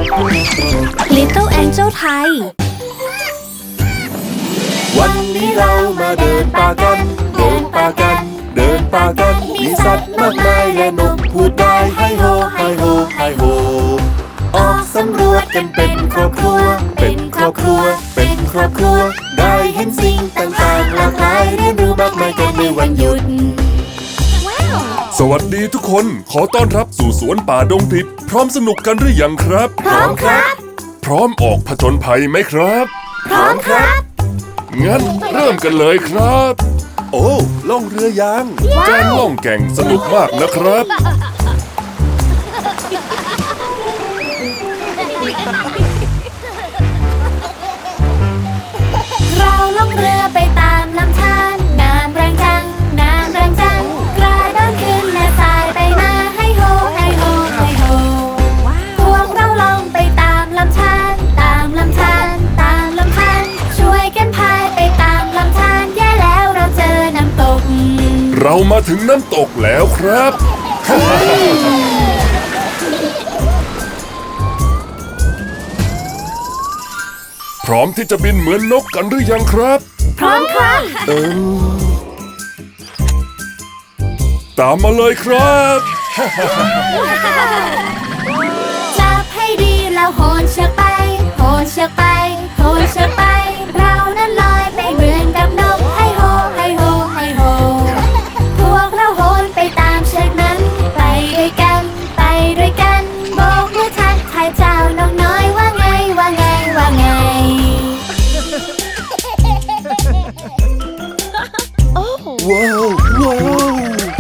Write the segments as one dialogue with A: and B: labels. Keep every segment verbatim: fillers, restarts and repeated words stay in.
A: Little Angel ไทย
B: วันนี้เรามาเดินป่ากันเดินป่ากันเดินป่ากันมีสัตว์มากมายและนกพูดได้ไฮโฮไฮโฮไฮโฮออกสำรวจกันเป็นครอบครัวเป็นครอบครัวเป็นครอบครัวได้เห็นสิ่งต่างๆหลากหลายเรียนรู้มากมายกันในวันหยุด
C: สวัสดีทุกคนขอต้อนรับสู่สวนป่าดงดิบพร้อมสนุกกันหรือยังครับ
B: พร้อมครับ
C: พร้อมออกผจญภัยไหมครับ
B: พร้อมครับ
C: งั้นเริ่มกันเลยครับ
B: โอ้ล่องเรือยาง
C: การล่องแก่งสนุกมากนะครับ
A: เราล่องเรือไปตามลำธารน้ำแรงจังน้ำแรงจังกระโดดขึ้นและสายไปมาให้โฮให้โฮให้โฮพวกเราล่องไปตามลำธารตามลำธารตามลำธารช่วยกันพายไปตามลำธารแย่แล้วเราเจอน้ำตก
C: เรามาถึงน้ำตกแล้วครับพร้อมที่จะบินเหมือนนกกันหรือยังครับ
A: พร้อมครับ
C: เออตามมาเลยครับ
A: จับให้ดีแล้วโหนเชือกไปโหนเชือกไปโหนเชือกไปเรานั้นลอยไปเหมือนกับนกให้โฮให้โฮให้โฮพวกเราโหนไปตามเชือกนั้นไปด้วยกันไปด้วยกันโบกมือทักทายเจ้านกน้อยว่าไงว่าไงว่าไง
B: ว้าวว้าว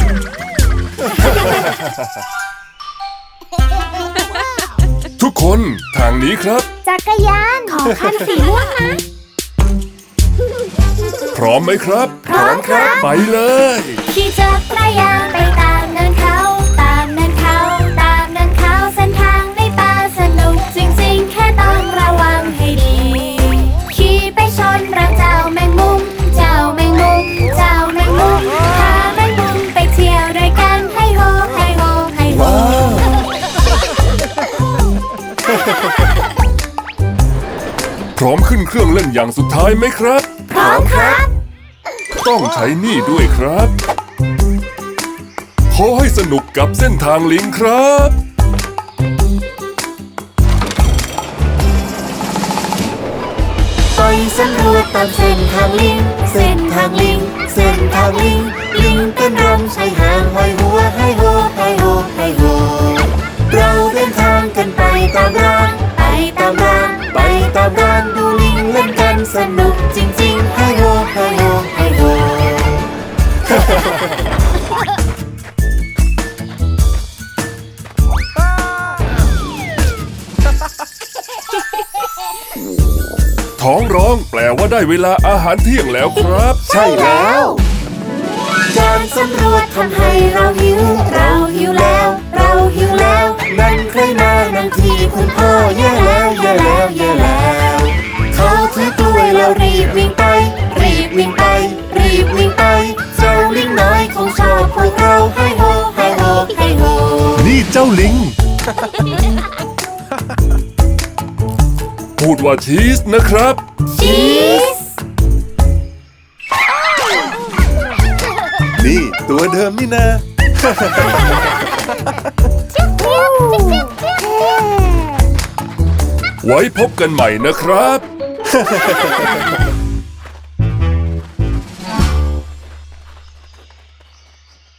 C: ทุกคนทางนี้ครับ
A: จักรยานขอคันสีม่วงนะ
C: พร้อมไหมครับ
A: พร้อมครับ
C: ไปเลย
A: ขี่จักรยานไปตามเนินเขาตามเนินเขาตามเนินเขาเส้นทางในป่าสนุกจริงๆแค่ต้องระวังให้ดีขี่ไปชนรังเจ้าแมงมุมเจ้าแมงมุมเจ้าแมงมุมพาแมงมุมไปเที่ยวด้วยกันให้โฮให้โฮให้โฮ
C: พร้อมขึ้นเครื่องเล่นอย่างสุดท้ายไหมครับ
A: พร้อมครับ
C: ต้องใช้นี่ด้วยครับขอให้สนุกกับเส้นทางลิงครับ
B: ไปสำรวจตามเส้นทางลิงเส้นทางลิงเส้นทางลิงลิงเป็นรำใช้หางห้อยหัวให้โฮให้โฮให้โฮเราเดินทางกันไปตามรางไปตามรางไปตามรางดูลิงเล่นกันสนุกจริงๆให้โฮให้โฮให้โฮ
C: ท้องร้องแปลว่าได้เวลาอาหารเที่ยงแล้วครับ
B: ใช่แล้วการสำรวจทำให้เราหิวเราหิวแล้วเราหิวแล้วนั่นใครมานั่งที่คุณพ่อแย่แล้วแย่แล้วแย่แล้วเขาถือกล้วยแล้วรีบวิ่งไปรีบวิ่งไปรีบวิ่งไปเจ้าลิงน้อยคงชอบพวกเราให้โฮให้โฮให้โฮ
C: นี่เจ้าลิง พูดว่าชีสนะครับ
A: ชีส
B: นี่ตัวเดิมนี่นะ
C: ไว้พบกันใหม่นะครับ